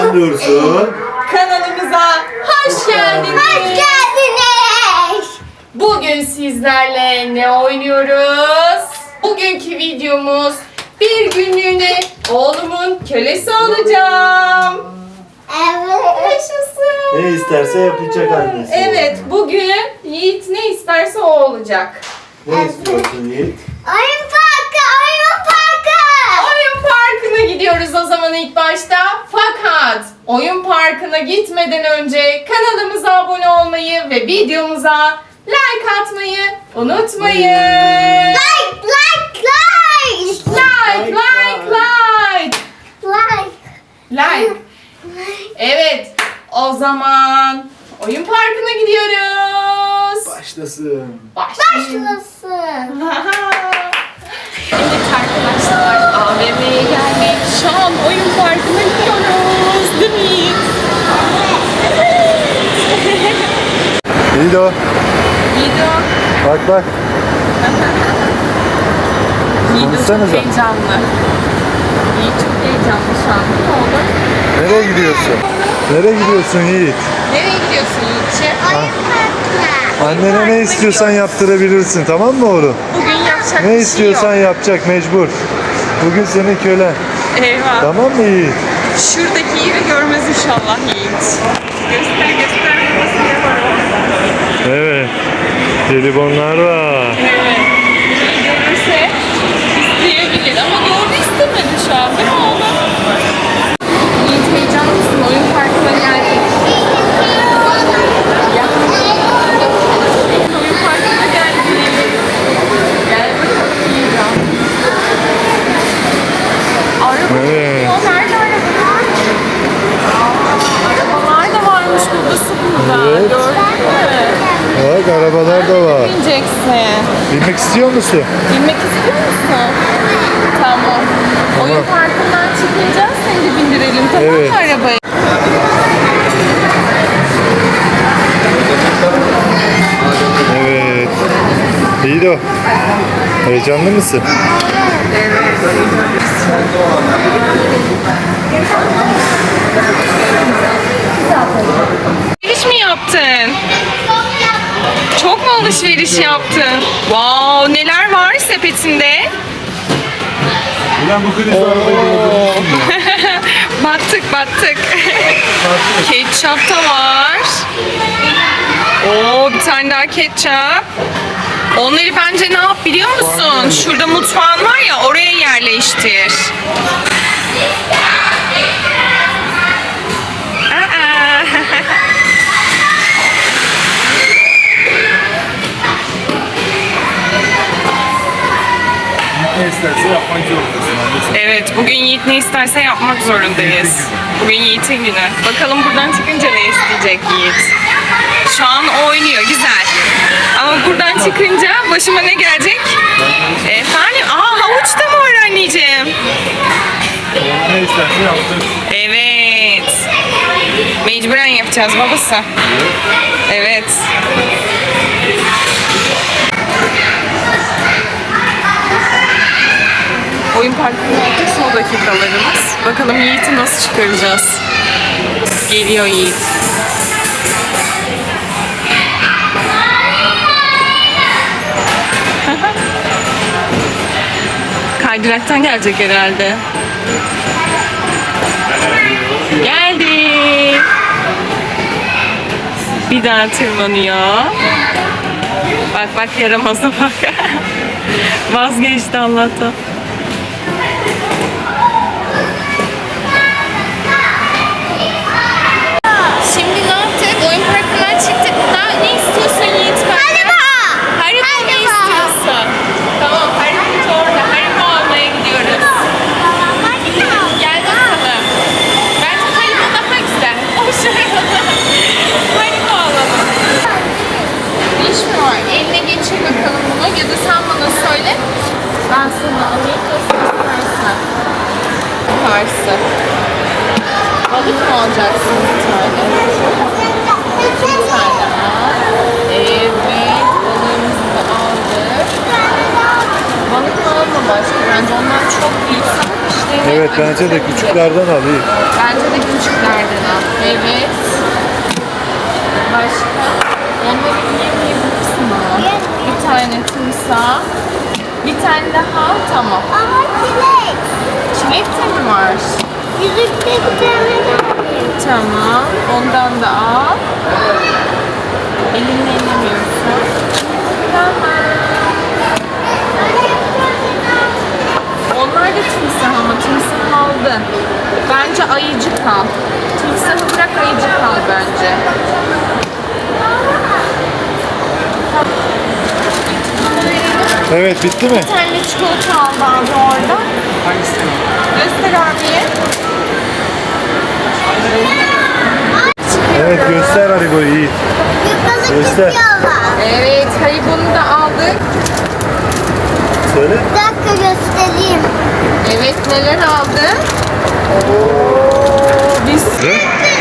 Ben Dursun. Kanalımıza hoş geldiniz. Hoş geldiniz. Bugün sizlerle ne oynuyoruz? Bugünkü videomuz bir günlüğüne oğlumun kölesi olacağım. Evet. Yaşasın. Ne isterse yapacak annesi. Evet, bugün Yiğit ne isterse o olacak. Ne istiyorsun Yiğit? Oyun parkı, oyun parkı. Oyun parkına gidiyoruz o zaman ilk başta. Fakat oyun parkına gitmeden önce kanalımıza abone olmayı ve videomuza like atmayı unutmayın. Like, like, like. Like, like, like. Like. Like. Evet, o zaman oyun parkına gidiyoruz. Başlasın. Başlayalım. Başlasın. Evet arkadaşlar, AVM'ye geldik. Şu an oyun parkına gidiyoruz. Değil mi Yiğit? İyi o. Yiğido. Bak bak. Yiğido çok Konuşsanıza. heyecanlı. Yiğit çok heyecanlı şu an. Ne oldu? Nereye gidiyorsun? Nereye gidiyorsun Yiğit? Nereye gidiyorsun Yiğit'ciğim? Oyun parkına. Annene ne istiyorsan yaptırabilirsin, tamam mı oğlum? Bugün yapacak Ne bir istiyorsan şey yok. yapacak, mecbur. Bugün senin kölen. Eyvah. Tamam mı Yiğit? Şuradaki yeri görmez inşallah Yiğit. Göster göster. Nasıl yaparım? Evet. Jelibonlar var. Evet. Neyi görürse isteyebilir ama doğru istemedi şu an değil mi oğlum? Yiğit heyecanlı mısın? Oyun parkına geldik. Ya. Oyun parkına geldik. Gel bakalım Yiğit. Araba Evet. gidiyor. Nerede arabalar? Arabalar da varmış burada Sıkı'da. Evet. Gördün mü? Bak arabalar da var. Bineceksin. Bilmek istiyor musun? Binmek istiyor musun? Tamam. Oyun parkından çıkınca seni de bindirelim tamam Evet. mı arabaya? Evet. İyi o. Heyecanlı mısın? Alışveriş mi yaptın? Çok mu alışveriş yaptın? Wow, neler var sepetinde? Ulan bu kriz Battık battık. Ketçap da var. Oo, bir tane daha ketçap. Onları bence ne yap biliyor musun? Şurada mutfağın var ya oraya yerleştir. Aa. Ne isterse yapmak zorundasın annesi. Evet, bugün Yiğit ne isterse yapmak zorundayız. Bugün Yiğit'in günü. Bakalım buradan çıkınca ne isteyecek Yiğit. Şu an oynuyor, güzel. Ama buradan çıkınca başıma ne gelecek? Efendim, havuç da mı var anneciğim? Ne isterse yaptık. Evet. Mecburen yapacağız babası. Evet. Oyun parkının artık son dakikalarımız. Bakalım Yiğit'i nasıl çıkaracağız? Geliyor Yiğit. Kaydıraktan gelecek herhalde. Geldi. Bir daha tırmanıyor. Bak bak yaramaza bak. Vazgeçti Allah'tan. Şimdi ne yaptık? Oyun parkından çıktık. Ne istiyorsun Yiğit? Haribo. Haribo ne istiyorsun? Tamam Haribo orada. Haribo almaya gidiyoruz. Gel bakalım. Bence Haribo daha güzel. Hoş Haribo alalım. İş mi var? Eline geçir bakalım bunu ya da sen bana söyle. Ben sana alayım da sen istersen. Yaparsın. Balık mı alacaksın bir tane? Bir tane al. Evet, balığımızı da aldık. Balık mı almadık başka. Bence onlar çok büyük. İşte Evet bence de küçüklerden al iyi. Bence de küçüklerden al. Evet. Başka? Onları yiyebilirsin ama. Bir tane timsah. Bir tane daha. Tamam. Ama çilek. Çilek de mi var? Yüzükte bir tane daha var. Tamam. Ondan da al. Elinle ellemiyorsun. Tamam. Onlar da timsah ama timsahı aldın. Bence ayıcık al. Timsahı bırak ayıcık al bence. Evet bitti mi? Bir tane çikolata aldı abi orada. Hangisi? Göster abiye. Evet göster Haribo'yu iyi. Yukarı Göster. çıkıyorlar. Evet, Haribo'nu da aldık. Söyle. Bir dakika göstereyim. Evet, neler aldın? Oo, biz Ne?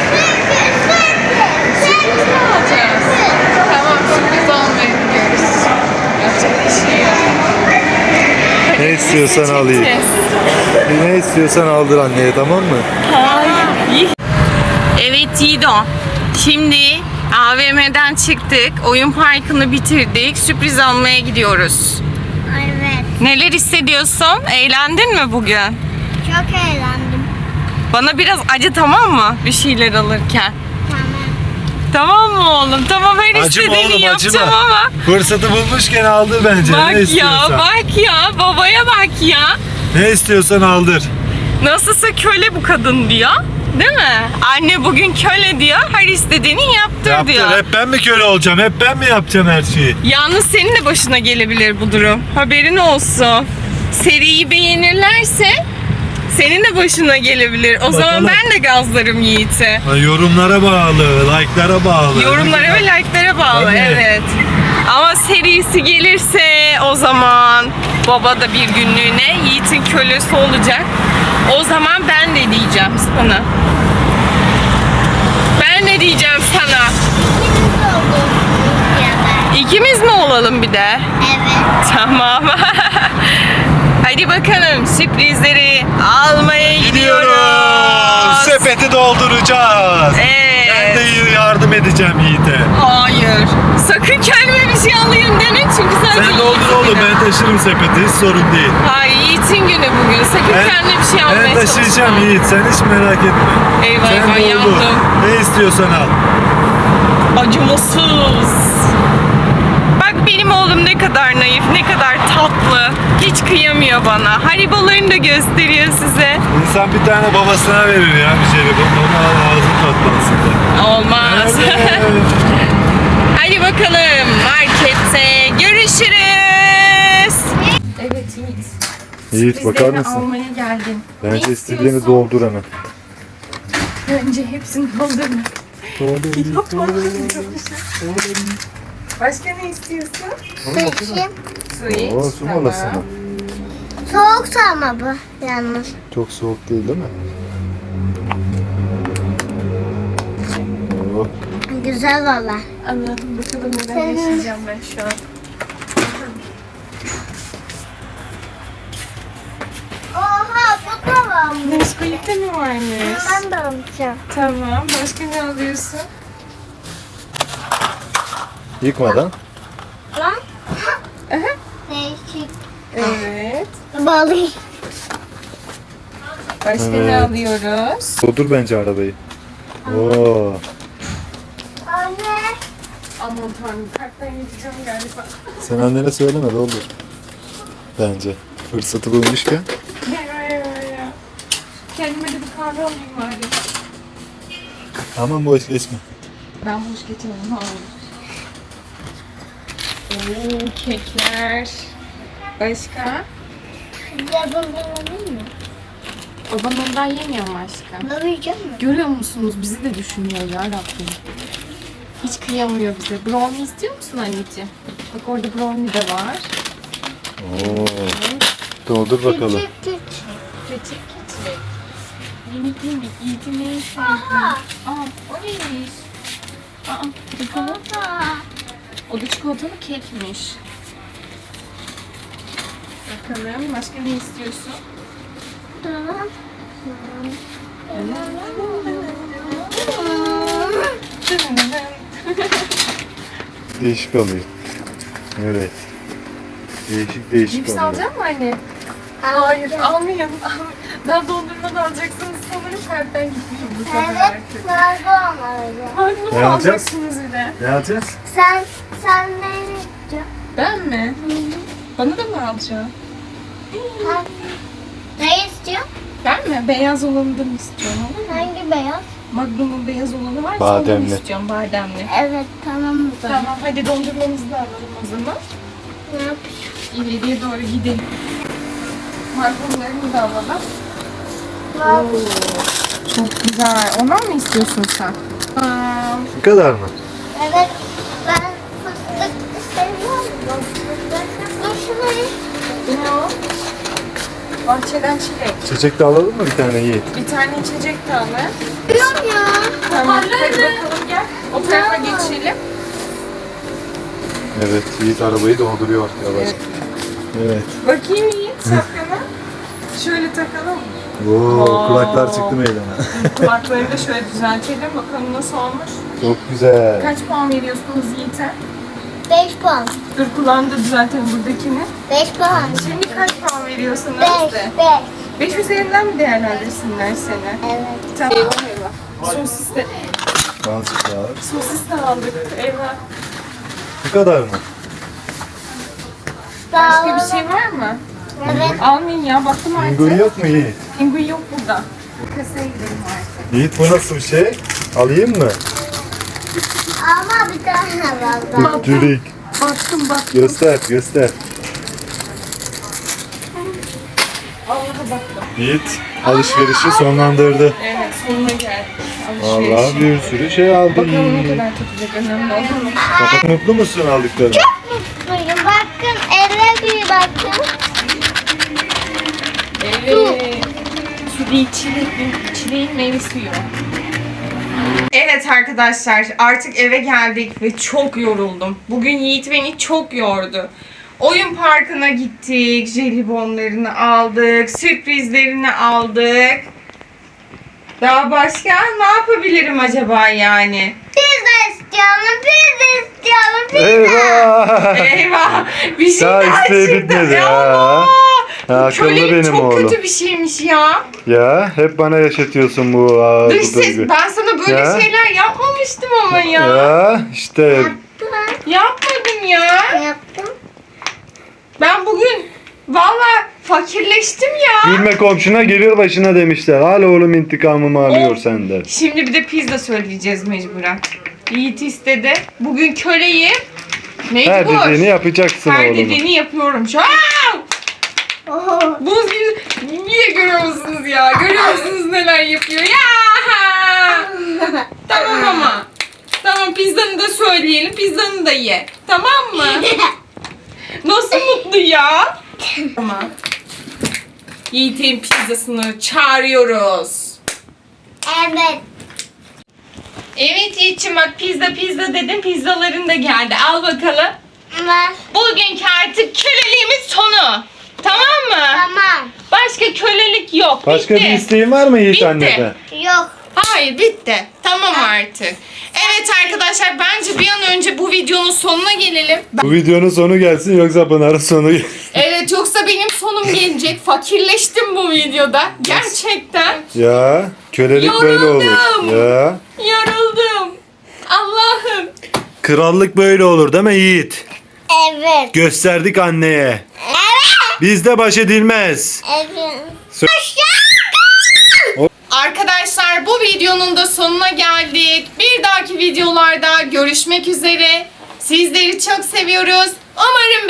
sürpriz mi alacağız? Tamam, sürpriz almaya gidiyoruz. Yapacak bir şey yok. Ne istiyorsan al iyi. Çekeceğiz. Ne istiyorsan aldır anneye tamam mı? Evet Yiğido. Şimdi AVM'den çıktık. Oyun parkını bitirdik. Sürpriz almaya gidiyoruz. Evet. Neler hissediyorsun? Eğlendin mi bugün? Çok eğlendim. Bana biraz acı tamam mı? Bir şeyler alırken. Tamam. Tamam mı oğlum? Tamam her Acıma istediğini oğlum, yapacağım acıma. ama. Fırsatı bulmuşken aldır bence. Ne Bak ya, istiyorsan. bak ya. Babaya bak ya. Ne istiyorsan aldır. Nasılsa köle bu kadın diyor. Değil mi? Anne bugün köle diyor. Her istediğini yaptır diyor. Yaptır. Hep ben mi köle olacağım? Hep ben mi yapacağım her şeyi? Yalnız senin de başına gelebilir bu durum. Haberin olsun. Seriyi beğenirlerse senin de başına gelebilir. O zaman Bakalım. ben de gazlarım Yiğit'i. Yorumlara bağlı, like'lara bağlı. Yorumlara ve like'lara bağlı, Tabii. evet. Ama serisi gelirse o zaman baba da bir günlüğüne Yiğit'in kölesi olacak. O zaman ben de diyeceğim sana. Ben de diyeceğim sana. İkimiz olduk. Ya da. İkimiz mi olalım bir de? Evet. Tamam. Hadi bakalım sürprizleri almaya gidiyoruz. Sepeti dolduracağız. Ben de Evet. yardım edeceğim Yiğit'e. Hayır. Sakın kendime bir şey alayım deme çünkü sadece Sen doldur Yiğit'in oğlum, günü. ben taşırım sepeti, hiç sorun değil. Hayır Yiğit'in günü bugün. Sakın kendine bir şey almaya Ben taşıyacağım çalışma. Yiğit, sen hiç merak etme. Eyvah Sen eyvah doldur. yandım. Ne istiyorsan al. Acımasız. Bak benim oğlum ne kadar naif, ne kadar tatlı. Hiç kıyamıyor bana. Haribolarını da gösteriyor size. İnsan bir tane babasına verir ya bir şey. Onu al, ağzın tatlansın da. Olmaz. Evet. Hadi bakalım markette görüşürüz. Evet Yiğit. Yiğit bakar Sürprizlerini mısın? almaya geldim. Bence Ne istediğini istiyorsun? doldur hemen. Önce hepsini doldurma. Başka ne istiyorsun? Su içeyim. Su iç. Oo, su molası mı? Soğuk ama bu yalnız. Çok soğuk değil mi? Oo. Güzel valla. Allah'ım bakalım neler yaşayacağım ben şu an. Oha bu da varmış. Nesquik'te mi varmış? Ben de alacağım. Tamam. Başka ne alıyorsun? Yıkmadan. Lan. Aha. Değişik. Evet. Balık. Başka ne Evet. alıyoruz? Doldur bence arabayı. Oo. Anne. Aman tanrım karttan yiyeceğim galiba. Sen annene söyleme doldur. Bence. Fırsatı bulmuşken. Ya. Kendime de bir kahve alayım bari. Aman boş geçme. Ben boş geçemem. Ne olur. Oo, kekler. Başka? Ya bundan alayım mı? Baban ondan yemiyor mu aşkım? Ne yiyeceğim mi? Görüyor musunuz? Bizi de düşünüyor ya Rabbim. Hiç kıyamıyor bize. Brownie istiyor musun anneciğim? Bak orada brownie de var. Oo. Doldur bakalım. Küçük küçük. Küçük küçük. Minik minik. Yiğit'in en sevdiği. Aa, o neymiş? Aa, bakalım. O da çikolatalı kekmiş. Bakalım başka ne istiyorsun? Tamam. Değişik oluyor. Evet. Değişik Cips oluyor. alacak mı anne? Hayır almayın. Daha dondurma da alacaksınız sanırım kalpten gitmişim bu sefer Evet, artık. nargo olmalıydı. Harbi Ne mi alacağız? alacaksınız yine? Ne yapacağız? Sen ne yapacaksın? Ben mi? Bana da mı alacaksın? Ne istiyorsun? Ben mi? Beyaz olanından istiyorum ama. Hangi beyaz? Magnum'un beyaz olanı varsa Bademli. ondan istiyorum bademli. Evet, tamam mı? Tamam hadi dondurmamızı da alalım o zaman. Ne yapıyorsun? İleriye doğru gidelim. Magnumlarını da alalım. Ne Çok güzel. Ondan mı istiyorsun sen? Bu kadar mı? Evet, ben fıstık seviyorum. Dur şurayı. Ne o? Bahçeden çilek. Çiçek de alalım mı bir tane Yiğit? Bir tane içecek de alın. Biliyorum ya. Tamam hadi bakalım gel. O tarafa geçelim. Evet, Yiğit arabayı dolduruyor yavaş. Evet. Bakayım Yiğit şapkanı. Şöyle takalım. Oo, kulaklar çıktı meydana. Kulaklarını da şöyle düzeltelim. Bakalım nasıl olmuş. Çok güzel. Kaç puan veriyorsunuz Yiğit'e? 5 puan. Dur kulağını da düzeltelim buradakini. 5 puan. Şimdi kaç puan veriyorsunuz? 5. 5 üzerinden mi değerlendirsinler seni? Evet. Tamam. Eyvah. Sosis de, Azıcık daha. sosis de aldık. Eyvah. Bu kadar mı? Başka bir şey var mı? Evet. Almayın ya. Baktım artık. Pinguin yok mu Yiğit? Pinguin yok burada. Kasaya gidelim artık. Yiğit bu nasıl bir şey? Alayım mı? Ama bir tane var. Tütürük. Baktım. Göster, göster. Allah'a baktım. Yiğit alışverişi sonlandırdı. Evet sonuna geldik. Vallahi Alışveriş. bir sürü şey aldı Bakalım ne Yiğit. kadar tutacak önemli olur mu? Mutlu musun aldıklarına? Mutluyum. Bakın eve bir bakın. Evet. Su değil çileğin meyve suyu. Evet arkadaşlar artık eve geldik ve çok yoruldum. Bugün Yiğit beni çok yordu. Oyun parkına gittik, jelibonlarını aldık, sürprizlerini aldık. Daha başka ne yapabilirim acaba yani? Pizza istiyorum. Pizza istiyorum. Eyvah! Eyvah! Bir şey Daha daha isteği çıktı. bitmedi ya. Allah! Ha, akıllı Kölelik benim çok oğlum. kötü bir şeymiş ya. Ya hep bana yaşatıyorsun bu Dış ses, duygu. ben sana böyle Ya. şeyler yapmamıştım ama ya. Ya işte Yapmadım ya. Yaptım. Ben bugün valla fakirleştim ya. gülme komşuna gelir başına demişler. Hala oğlum intikamımı alıyor senden. Şimdi bir de pizza söyleyeceğiz mecburen. Yiğit istedi. Bugün köleyim. Her Mecbur. dediğini yapacaksın Her oğlum. dediğini yapıyorum şu an. Oho. Buz gibi. Niye görüyor musunuz ya? Görüyor musunuz neler yapıyor? Ya! Tamam ama. Tamam pizzanı da söyleyelim. Pizzanı da ye. Tamam mı? Nasıl mutlu ya? Tamam. Yiğit'in pizzasını çağırıyoruz. Evet. Evet Yiğit'ciğim bak pizza dedim. Pizzaların da geldi. Al bakalım. Var. Bugünkü artık köleliğimiz sonu. Tamam mı? Tamam. Başka kölelik yok. Başka Bitti. bir isteğin var mı Yiğit Bitti. anneden? Yok. Hayır bitti. Tamam artık. Evet arkadaşlar bence bir an önce bu videonun sonuna gelelim. Bu videonun sonu gelsin yoksa Pınar'ın sonu gelsin. Evet yoksa benim sonum gelecek. Fakirleştim bu videoda. Gerçekten. Ya kölelik böyle olur. Yoruldum. Ya Yoruldum. Allah'ım. krallık böyle olur değil mi Yiğit? Evet. Gösterdik anneye. Evet. Bizde baş edilmez. Evet. Arkadaşlar bu videonun da sonuna geldik. Bir dahaki videolarda görüşmek üzere. Sizleri çok seviyoruz. Umarım